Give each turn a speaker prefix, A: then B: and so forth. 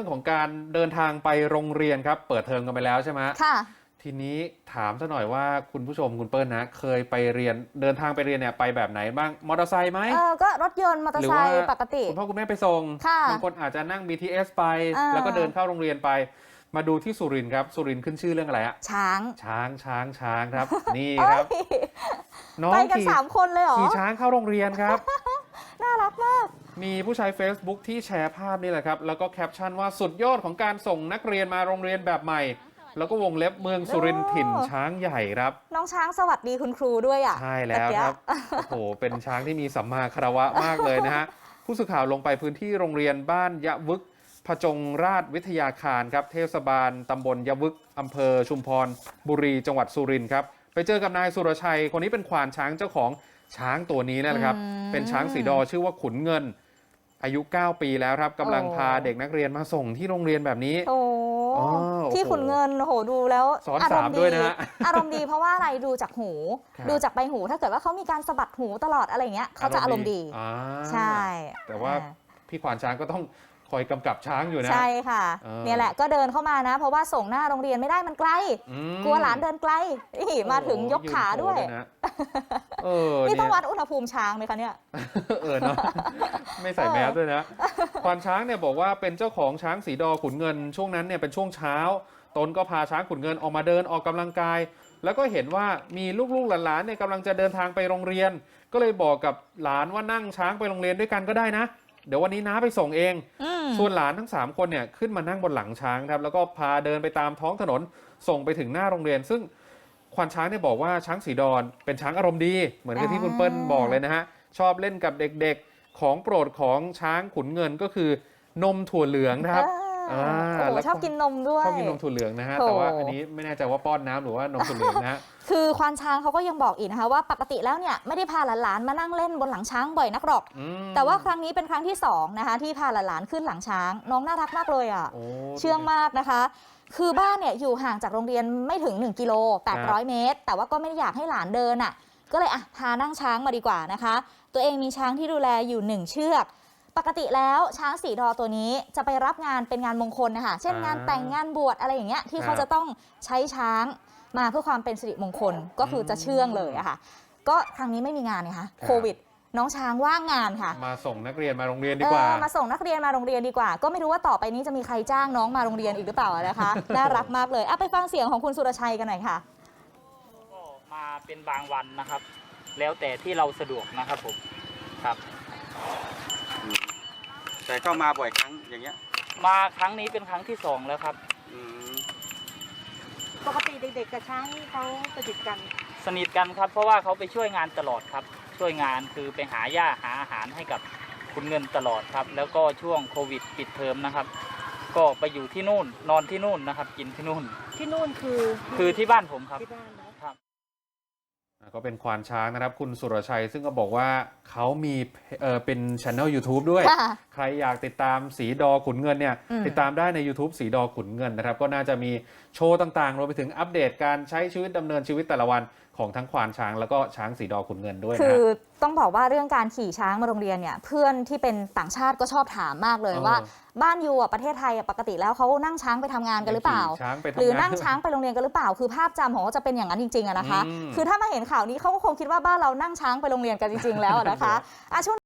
A: รื่องของการเดินทางไปโรงเรียนครับเปิดเทอมกันไปแล้วใช่ไหม
B: ค่ะ
A: ทีนี้ถามซะหน่อยว่าคุณผู้ชมคุณเปิ้ลนะเคยไปเรียนเดินทางไปเรียนเนี่ยไปแบบไหนบ้างมอเตอร์ไซค์ไหม
B: ก็รถยนต์มอเตอร์ไซค์ปกติ
A: คุณพ่อคุณแม่ไปส่งบางคนอาจจะนั่ง BTS ไปแล้วก็เดินเข้าโรงเรียนไปมาดูที่สุรินทร์ครับสุรินทร์ขึ้นชื่อเรื่องอะไรอะช้างครับนี่ครับ
B: น้องไปกัน3 คนเลยเหรอ
A: ขี่ช้างเข้าโรงเรียนครับ
B: น่ารักมาก
A: มีผู้ใช้ Facebook ที่แชร์ภาพนี่แหละครับแล้วก็แคปชั่นว่าสุดยอดของการส่งนักเรียนมาโรงเรียนแบบใหม่แล้วก็วงเล็บเมืองสุรินทร์ถิ่นช้างใหญ่ครับ
B: น้องช้างสวัสดีคุณครูด้วยอ่ะ
A: ใช่แล้วครับโอ้โหเป็นช้างที่มีสัมมาคารวะมากเลยนะฮะผู้สื่อข่าวลงไปพื้นที่โรงเรียนบ้านยะวึกพจงราชวิทยาคารครับเทศบาลตำบลยะวึกอำเภอชุมพรบุรีจังหวัดสุรินทร์ครับไปเจอกับนายสุรชัยคนนี้เป็นควานช้างเจ้าของช้างตัวนี้นะครับเป็นช้างสีดอชื่อว่าขุนเงินอายุ9 ปีแล้วครับกำลังพาเด็กนักเรียนมาส่งที่โรงเรียนแบบนี้
B: ที่ขุนเงินโหดูแล้ว
A: สอน3ด้วยนะ
B: อารมณ์ดีเพราะว่าอะไรดูจากหูดูจากใบหูถ้าเกิดว่าเขามีการสะบัดหูตลอดอะไรเงี้ยเขาจะอารมณ์ดีใช่
A: แต่ว่าพี่ควานช้างก็ต้องคอยกำกับช้างอยู่นะ
B: ใช่ค่ะเนี่ยแหละก็เดินเข้ามานะเพราะว่าส่งหน้าโรงเรียนไม่ได้มันไกลกลัวหลานเดินไกลมาถึงยกขาด้วยนี่ต้องวัดอุณหภูมิช้างไหมคะเนี่ย
A: เนาะไม่ใส่แมสด้วยนะควานช้างเนี่ยบอกว่าเป็นเจ้าของช้างสีดอขุนเงินช่วงนั้นเนี่ยเป็นช่วงเช้าตนก็พาช้างขุนเงินออกมาเดินออกกำลังกายแล้วก็เห็นว่ามีลูกๆหลานๆเนี่ยกำลังจะเดินทางไปโรงเรียนก็เลยบอกกับหลานว่านั่งช้างไปโรงเรียนด้วยกันก็ได้นะเดี๋ยววันนี้น้าไปส่งเองส่วนหลานทั้ง3 คนเนี่ยขึ้นมานั่งบนหลังช้างครับแล้วก็พาเดินไปตามท้องถนนส่งไปถึงหน้าโรงเรียนซึ่งควานช้างเนี่ยบอกว่าช้างสีดอนเป็นช้างอารมณ์ดีเหมือนกับที่คุณเปิ้ลบอกเลยนะฮะชอบเล่นกับเด็กๆของโปรดของช้างขุนเงินก็คือนมถั่วเหลืองนะครับ
B: ชอบกินนมด้วย
A: ชอบกินนมถั่วเหลืองนะฮะแต่ว่าอันนี้ไม่แน่ใจว่าป้อนน้ำหรือว่านมถั่วเหลืองนะฮะ
B: คือควานช้างเขาก็ยังบอกอีกนะคะว่าปกติแล้วเนี่ยไม่ได้พาหลานๆมานั่งเล่นบนหลังช้างบ่อยนักหรอกแต่ว่าครั้งนี้เป็นครั้งที่2นะคะที่พาหลานๆขึ้นหลังช้างน้องน่ารักมากเลยอ่ะเชื่องมากนะคะคือบ้านเนี่ยอยู่ห่างจากโรงเรียนไม่ถึง1 กิโล 800 เมตรแต่ว่าก็ไม่ได้อยากให้หลานเดินอ่ะก็เลยพานั่งช้างมาดีกว่านะคะตัวเองมีช้างที่ดูแลอยู่1 เชือกปกติแล้วช้างสีดอตัวนี้จะไปรับงานเป็นงานมงคลนะคะเช่นงานแต่งงานบวชอะไรอย่างเงี้ยที่เขาจะต้องใช้ช้างมาเพื่อความเป็นสิริมงคลก็คือจะเชื่องเลยอะค่ะก็ครั้งนี้ไม่มีงานนะคะโควิดน้องช้างว่างงานค่ะ
A: มาส่งนักเรียนมาโรงเรียนดีกว่า
B: มาส่งนักเรียนมาโรงเรียนดีกว่าก็ไม่รู้ว่าต่อไปนี้จะมีใครจ้างน้องมาโรงเรียนอีกหรือเปล่านะคะน่ารักมากเลยไปฟังเสียงของคุณสุรชัยกันหน่อยค่ะ
C: ก็มาเป็นบางวันนะครับแล้วแต่ที่เราสะดวกนะครับผมครับ
D: แต่ก็มาบ่อยครั้งอย่างเงี้ย
C: มาครั้งนี้เป็นครั้งที่2แล้วครับ
E: ปกติเด็กๆกับช้างเขาสนิทกัน
C: ครับเพราะว่าเขาไปช่วยงานตลอดครับช่วยงานคือไปหาหญ้าหาอาหารให้กับคุณเงินตลอดครับแล้วก็ช่วงโควิดปิดเทอมนะครับก็ไปอยู่ที่นู่นนอนที่นู่นนะครับกินที่นู่นคือที่บ้านผมครับ
A: ก็เป็นควานช้างนะครับคุณสุรชัยซึ่งก็บอกว่าเขามีเป็นช่อง YouTube ด้วยใครอยากติดตามสีดอขุนเงินเนี่ยติดตามได้ใน YouTube สีดอขุนเงินนะครับก็น่าจะมีโชว์ต่างๆรวมไปถึงอัปเดตการใช้ชีวิตดำเนินชีวิตแต่ละวันของทั้งควานช้างแล้วก็ช้างสีดอขุนเงินด้วยนะ
B: คือต้องบอกว่าเรื่องการขี่ช้างมาโรงเรียนเนี่ยเพื่อนที่เป็นต่างชาติก็ชอบถามมากเลยว่าบ้านอยู่ประเทศไทยปกติแล้วเขานั่งช้างไปทำงานกันหรือเปล่าหรือนั่งช้างไปโรงเรียนกันหรือเปล่าคือภาพจำของเขาจะเป็นอย่างนั้นจริงๆนะคะคือถ้ามาเห็นข่าวนี้เขาก็คงคิดว่าบ้านเรานั่งช้างไปโรงเรียนกันจริงๆแล้วนะคะช่วง